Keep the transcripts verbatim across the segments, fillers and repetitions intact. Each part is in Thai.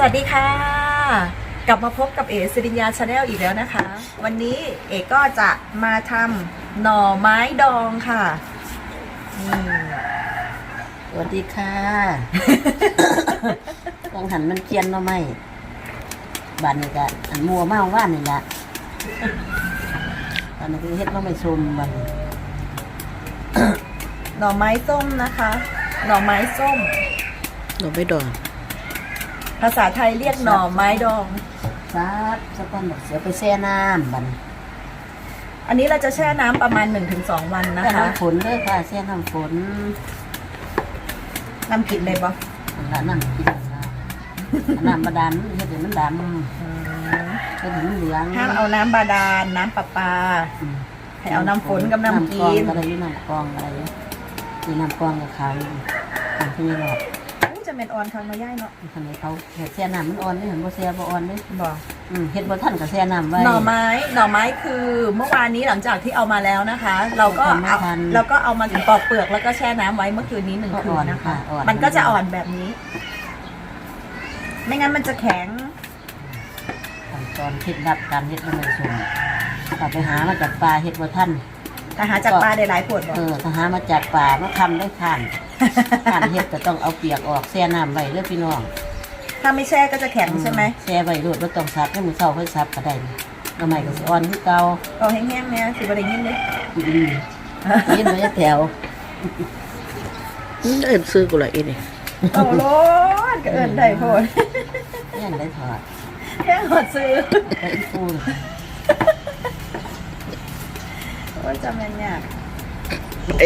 วัสดีค่ะกลับมาพบกับเอ๋สิริญญาชาแนลอีกแล้วนะคะวันนี้เอ๋ก็จะมาทำหน่อไม้ดองค่ะนี่สวัสดีค่ะ กังหันมันเจียนมาไหมบ้านนี้ก็อันมัวเมาว่านนี่แหละตอนนี้คือเฮ็ดมาไม่ชมบ้านหน่อไม้ส้มนะคะหน่อไม้ส้มหน่อไม้ดองภาษาไทยเรียกหน่อไม้ดองซับสะก้อนดอกเสียไปแช่น้ำบ้านอันนี้เราจะแช่น้ำประมาณ หนึ่งถึงสอง วันนะแช่คะน้ำฝนเลยค่ะแช่น้ำฝนน้ำกินเลยปะแล้วน้ำกินนะน้ำบาดาลเฮ็ดให้มันดำเฮ็ดให้มันเหลืองห้ามเอาน้ำบาดาลน้ำประปาให้เอาน้ำฝนกับน้ำกินน้ำกรองอะไรอยู่น้ำกรองอะไรมีน้ำกรองกับขาวอยู่น้ำที่นี่หรอกอู้จะเป็นออนครั้งมาย่ายเนาะทำไมเขาเห็ดแช่น้ำมันอ่อนได้เห็นบ่แช่บ่อ่อนได้บอกอืมเห็ดบ่ทันกับแช่น้ำไว้หน่อไม้หน่อไม้คือเมื่อวานนี้หลังจากที่เอามาแล้วนะคะ เราก็เอาเราก็เอามาปอกเปลือกแล้วก็แช่น้ำไว้เมื่อคืนนี้หนึ่งคืนนะคะ มันก็จะอ่อนแบบนี้ ไม่งั้นมันจะแข็งขั้นตอนเคล็ดลับการเห็ดมันไม่สมเอาไปหามาจากป่าเห็ดบ่ทันแต่หาจากปลาได้หลายขวดบอกเออถ้าหามาจากป่ามาทำได้ทานทานเห็ดก็ต้องเอาเปียกออกแช่น้ำไว้เด้อพี่น้องถ้าไม่แช่ก็จะแข็งใช่ไหมแช่ไว้โดดบ่ต้องซับให้มือเช้าค่อยซับก็ได้ทำไมก็สิอ่อนคือเก่าเอาแห้งๆเนี่ยสิบอะไรยินเลยอืมยินบ่ได้แถวอืมเอิ้นซื้อกูละอีนี่โอ้โหก็เอินได้โพดยังได้ถอดแค่หอดซื้อไปอีฟูนโอ้ยจำยังยากไอ้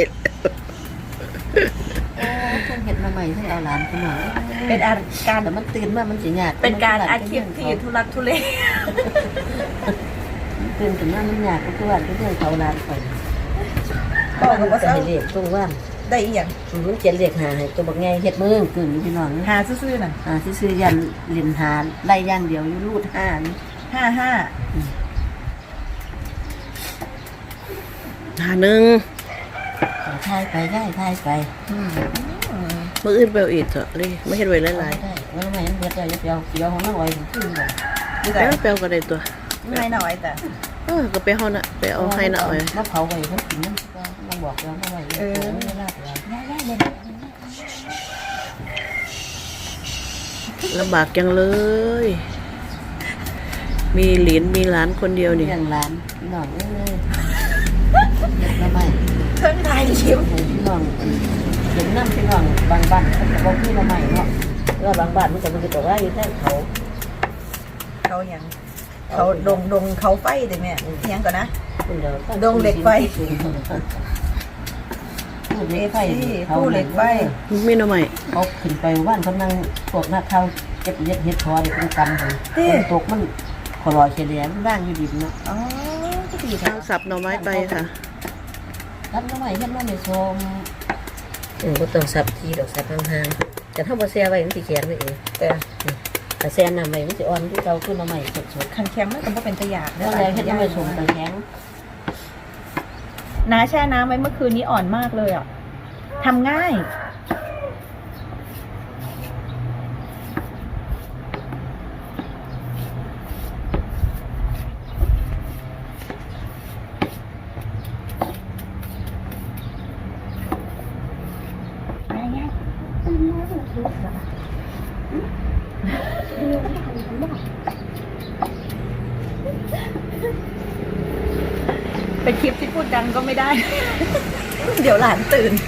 โอ้เพิ่นเห็ดมาใหม่เพิ่งเอาหลานพี่น้องเป็นอาการแต่มันตื่นมามันสิยากเป็นการอาชีพที่ทุรักทุเลตื่นขึ้นมามันยากก็คือว่าเรื่องเขาหลานไปบอกกับว่าจะเศร้าให้เรียกตรงว่าได้อีหยังมันเขียนเรียกหาให้ตัวบักไงเฮ็ดมือขึ้นพี่น้องหาซื่อๆน่ะอ่าที่ซื้อยันเรียนหาไล่ย่างเดียวอยู่รูดห้านี่ห้าห้าหาหนึ่งทายไปได้ทายไปอืมมื้ออื่นไปเอาอีกเถอะเลยไม่เห็นไว้หลายได้ว่าทำไมมันเบิดเลยเดียวเดียวของน้องอ้อยขึ้นเลยๆดีแล้แต่วไปเอาก็ได้ตัวไม่หน่อยแต่เออก็ไปเฮาน่ะไปเอาให้น่ะเอาไว้มาเผาไว้เพิ่นกินนั่นก็มาบอกแล้วมาไว้เออไม่ลาบแล้วได้ๆเลยลำบากจังเลย มีหลานมีหลานคนเดียวนี่เลี้ยงหลานพี่น้องเอ้ยเด็กละไม่เครื่องไทยชิมพี่น้องเห็นน้ำพี่น้องบางบ้านเขาบอกพี่ละไม่เนาะแล้วบางบ้านมันจะมันจะบอกว่าอยู่แค่เขาเขาอย่างเขาดงดงเขาไฟเด้แม่อิหยังก่อนนะ ดงเหล็กไฟผู้เหล็กไฟผู้เหล็กไฟมีหน่อไม้เขาขึ้นไปว่านเขานั่งพวกนักข่าวเก็บเห็ดเห็ดทอนี่เป็นกำเลยฝนตกมันขอรอยเฉลี่ยมันร่างอยู่ดิบเนาะอ๋อก็ดีทาค่ะงสับหน่อไม้ไปค่ะรับน้ำใหม่เห็ดน้ำใหม่ชมเออก็ต้องสับทีดอกสับห่างๆแต่ถ้าบ่แช่ไว้มันสิแข็งไว้เองแต่แต่แช่น้ำไว้มันสิอ่อนที่เก่าขึ้นน้ำใหม่สดๆคันแข็งมันก็บ่เป็นตะหยาดแล้วแล้วเห็ดน้ำใหม่ชมแต่แข็งน้าแช่น้ำไว้เมื่อคืนนี้อ่อนมากเลยอ่ะทำง่ายเป็นคลิปที่พูดดังก็ไม่ได้ เดี๋ยวหลานตื่น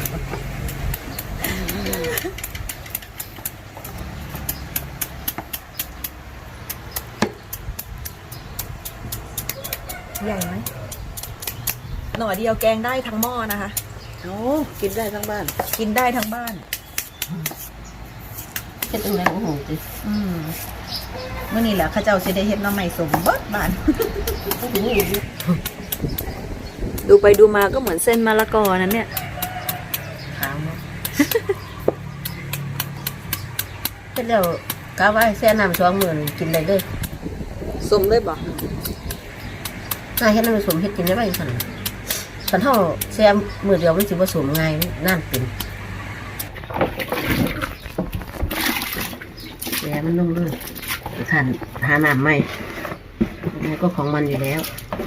ใหญ่ไหมหน่อเดียวแกงได้ทั้งหม้อนะคะโอ้กินได้ทั้งบ้านกินได้ทั้งบ้านเห็ดอะไรโอ้โหจิอืมเมื่อนี้แหละข้าเจ้าสิได้เฮ็ดหน้ำใหม่สมเบิดบ้าน ดูไปดูมาก็เหมือนเส้นมะละกอนั้นเนี่ยขาวเนาะเห็ดแล้วกะว่าแช่น้ำสองมื้อนี่กินได้เลยสมเลยบอกน่าเห็ดน้ำผสมเห็ดกินได้ไหมสันสันเท่าแซมมือเดียวมันสิผสมง่ายนั่นเป็นแซมมันลงเลยขันหาน้ำใหม่แล้วก็ของมันอยู่แล้ว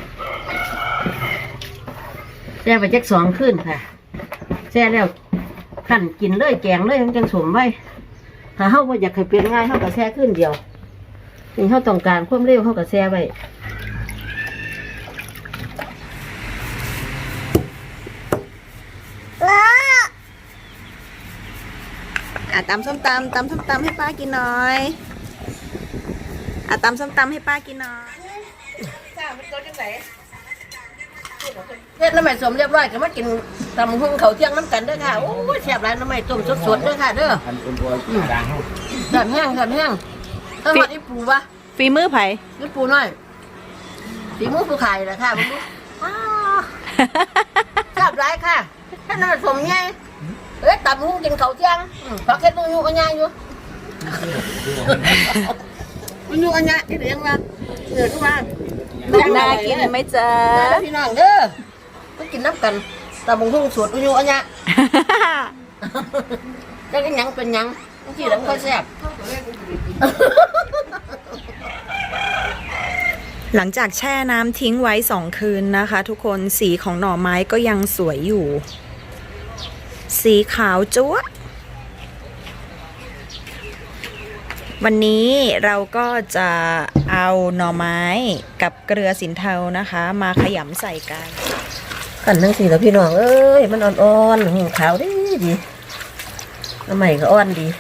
แช่ไปจักสองขึ้นค่ะแช่แล้วขันกินเลยแกงเลยมันจังสมไว้ถ้าเฮาว่าอยากให้เป็นง่ายเฮาก็แช่ขึ้นเดียวนี่เฮาต้องการความเร็วเฮาก็แช่ไว้อ่ะตำส้มตำตำส้มตำให้ป้ากินหน่อยอ่ะตำส้มตำให้ป้ากินหน่อยจ้ามันโตจังไหนเฮ็ดน้ำใหม่สมเรียบร้อยก็มากินตำหุ่งเขาเที่ยงน้ำกันเด้อค่ะโอ้ยแซ่บหลายน้ำใหม่ต้มสดๆเด้อค่ะเด้ออันเป็นตัวด่างเขาแซ่บแห้งแซ่บแห้งต้องหอดอีปูวะฝีมือไผอีปูน้อยสีมือผู้ขายแหละค่ะมึงดูอ้าวแซ่บหลายค่ะแค่นั้นสมไงเอ้ยตำหุ่งกินเขาเที่ยงอืมพักเฮ็ดนู่นอยู่กันยังอยู่มันอยู่กันยังที่เรียงว่าเดือดทุกวันน่ากินไหมจ๊ะพี่น้องเด้อไปกินน้ำกันตำหุ่งสดอยู่อันเนี้ย แล้วก็ยังเป็นยังที่เราค่อยแซ่บหลังจากแช่น้ำทิ้งไว้สองคืนนะคะ ทุกคนสีของหน่อไม้ก็ยังสวยอยู่ สีขาวจั๊วะวันนี้เราก็จะเอาหน่อไม้กับเกลือสินเทานะคะ มาขยำใส่กันกันทั้งสี่แล้วพี่น้องเอ้ยมันอ่อนๆหูขาวดีดีน้ำใหม่ก็อ่อนดี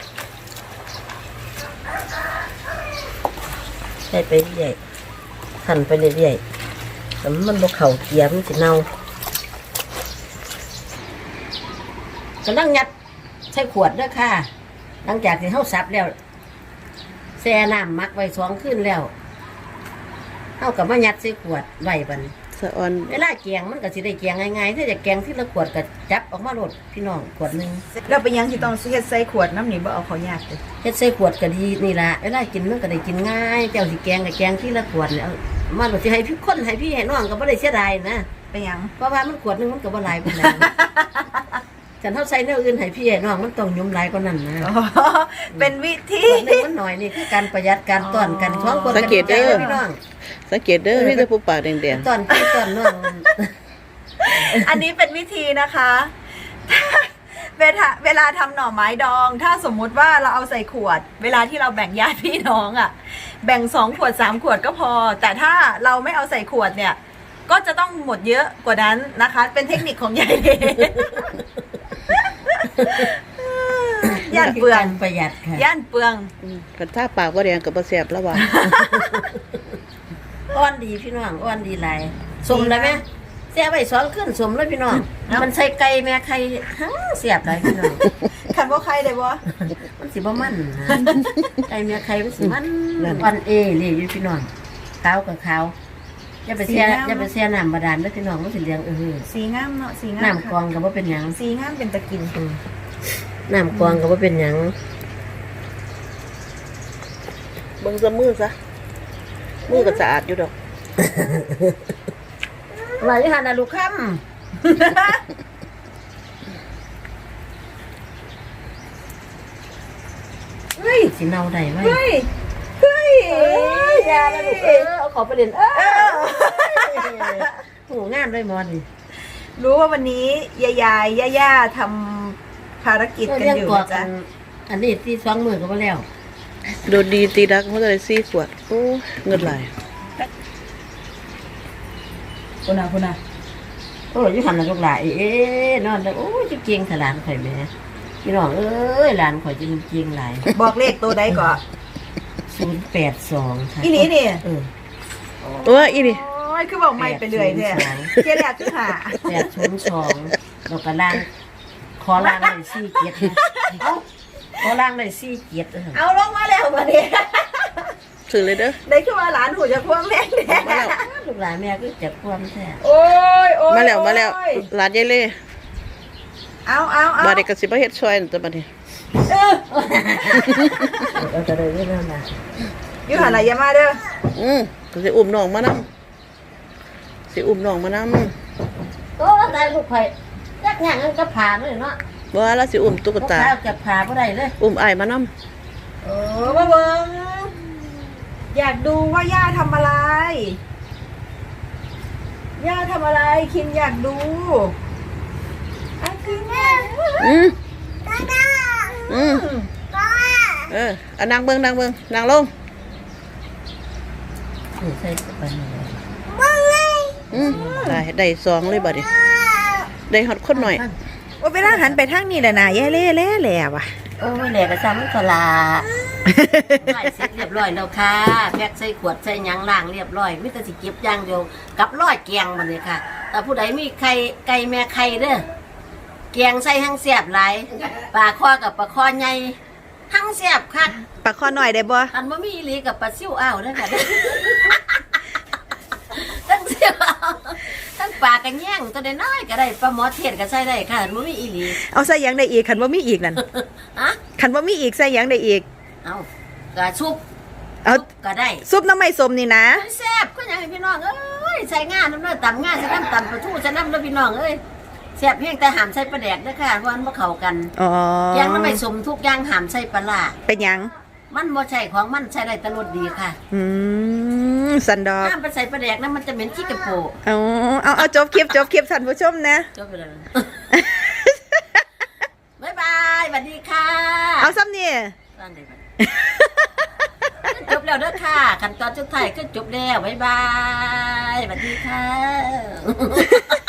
ใส่ไปเรื่อยหั่นไปเรื่อยๆแต่มันบกเข่าเกียร์มันสิเน่ากำลังยัดใส่ขวดด้วยค่ะหลังจากที่เขาซับแล้วแช่น้ำมักไว้สองคืนแล้วเขากับมายัดใส่ขวดไว้บัดนสะออนเวลาแกงมันก็สิได้แกงง่ายๆถ้าจะแกงที่ละขวดก็จับออกมาโหลดพี่น้องขวดหนึงเราไปยังที่ต้องเฮ็ดใส่ขวดน้ำหนีบ่เอาเขายากเลยเฮ็ดใส่ขวดก็ดีนี่ล่ะเวลากินมันก็ได้กินง่ายเจ้าสิแกงก็แกงที่ละขวดเนี่ยเอามาโหลดสิให้พี่คนให้พี่ให้น้องก็บ่ได้เสียดายนะไปยังเพราะว่ามันขวดหนึงมันก็บ่หลายปานใด ฉันเฮาใส่แนวอื่นให้พี่ให้น้องมันต้องยุ่มหลายกว่านั้นนะอ๋อเป็นวิธีขวดหนึงมันหน่อยนี่คือการประหยัดการต้อนกันท้องคนกันใจนะพี่น้องสังเกตเด้อมีแต่ผู้ปากแดงต้อนพี่ต้อนน้องอันนี้เป็นวิธีนะคะ เวลาเวลาทำหน่อไม้ดอง ถ้าสมมุติว่าเราเอาใส่ขวด เวลาที่เราแบ่งญาติพี่น้องอะ่ะ แบ่งสองขวดสามขวดก็พอ แต่ถ้าเราไม่เอาใส่ขวดเนี่ย ก็จะต้องหมดเยอะกว่านั้นนะคะ เป็นเทคนิคของยายเดย่านเปลืองการประหยัดค่ะย่านเปลืองๆอืมกันถ้าปากบ่แดงก็บ่แซ่บแล้วว่ะอ้อนดีพี่น้องอ้อนดีหลายสมเลยไหมเสียไปสองขึ้นสมเลยพี่น้องมันใส่ไก่แม่ไข่ฮัเสียบเลยพี่น้องคันว่าใครเลยบ่มันสิบ่มันนะไก่แม่ไข่มันสิมันอ่อนเอเลยอยู่พี่น้องขาวกับขาวอย่าไปเสียอย่าไปเสียน้ำบาดาลเด้อพี่น้องมันสิเลี้ยงเออสีงามเนาะสีงามน้ำกรองก็บ่เป็นหยังสีงามเป็นตะกินน้ำกรองก็บ่เป็นหยังเบิ่งซะมือซะมือก็สะอาดอยู่ดอกว่าอยู่หั่นน่ะลูกค้ำเฮ้ยสิเน่าได้ไหมเฮ้ยเฮ้ยเอ้ยยาแล้วลูกเออเอาขอไปเรียนเออโหงามเลยมอนนี่รู้ว่าวันนี้ยายายย่าย่าทำภารกิจกันเรื่องอยู่กว่านะกัจ๊ะนอันนี้ที่สองมือก็มาแล้วโดนดีตีดักมันก็ได้สี่ขวดโอ้เงินหลายคุณอาคุณอาโอ้ยยุหันน่ะลูกหลานเอ๊ะนอนแล้วโอ้ยจะเกียงถลานข่อยแม่พี่น้องเอ้ยหลานข่อยจะมันเกียงหลายบอกเลขตัวใดก่อนศูนย์แปดสองค่ะอีนี่นี่เออโอ้ยอีนี่โอ้ยคือบอกไม่ไปเรื่อยเนี่ยแปดศูนย์สองเจ๊แหลกคือหาแปดศูนย์สองเราก็ล่างขอล่างเลยสี่เกียรติเอ้าขอล่างเลยสี่เกียรติเอาลงมาแล้วมาเนี่ยซื้อเลยเด้อได้คือว่าหลานหูจะพ่วงแม่แน่มาแล้วลูกหลานแม่ก็จะความแท้โอ้ยโอ้ยมาแล้วมาแล้วโอ้ยร้านยายเล่เอาเอาเอาบาดนี้ก็สิมาเฮ็ดซอยนั่นตัวบัดนี้เออเราจะได้เรื่องนั้นอยู่หันอะไรอยามาเด้ออืมก็สิอุ้มน้องมานํสิอุ้มน้องมานํโอ้ตายลูกไผ่ยักษ์หยังก็ผ่าเลยเนาะบ่ว่าแล้วสิอุ้มตุ๊กตาลูกสาวจะผ่าบ่ได้เลยอุ้มอ้ายมานํโอ้ออมาเบิ้งอยากดูว่าย่าทำอะไรย่าทำอะไรคินอยากดูอ่ะคินอืมอืมเออเอานางเบิ่งนางเบิ่งนางลงนี่ใส่ไปนี่อืมได้ได้สองเลยบัดนี้ได้ฮอดคนหน่อยว่าเวลาหันไปทางนี้แหละนะแย่เล่เล่แหล่ว่ะโอ้ยแหลกกระซ้ำมันก็ลาใส่เสร็จเรียบร้อยแล้วค่ะแพ็คใส่ขวดใส่หยังล้างเรียบร้อยมิแต่สิเก็บอย่างเดียวกับร้อยแกงมันเลยค่ะ แต่ผู้ใดมีไข่ไก่แม่ไข่เด้อแกงใส่หั่งแซ่บหลายปลาคอกับปลาคอใหญ่หั่งแซ่บคักปากคอหน่อยได้บ่อันบ่มีอีหลีกับปลาซิ่วอ้าวเด้อค่ะเด้อทั้งเสียวอ้าวทั้งปลากระแยงตัวน้อยๆก็ได้ปลาหมอเทศก็ใส่ได้ค่ะอันบ่มีอีหลีเอาใส่หยังได้อีกขันว่ามีอีกนั่นฮะขันว่ามีอีกใส่หยังได้อีกเอากระชุบเอาซุปก็ได้ซุปน้ำไม่สมนี่นะแซ่บก็อยากให้พี่น้องเอ้ยใส่งานน้ำเนื้อตำงานใส่น้ำตำปลาทูใส่น้ำเนื้อพี่น้องเอ้ยแซ่บเพียงแต่หามใส่ปลาแดกเด้อค่ะเพราะมันบ่เข้ากันอ๋ออย่างน้ำไม่สมทุกอย่างหามใส่ปลาร้าเป็นหยังมันบ่ใช่ของมันใช้ได้แตรสดีค่ะอืมสันดอกห้ามไปใส่ปลาแดกนะมันจะเหม็นขี้กระโปงเอาเอาเอาจบคลิปจบคลิปท่านผู้ชมนะจบไปเลย บ๊ายบายสวัสดีค่ะเอาซ้ำนี่บ้านใดบ้านจบแล้วเด้อค่ะขั้นตอนสุดท้ายก็จบแล้วบ๊ายบายสวัสดีค่ะ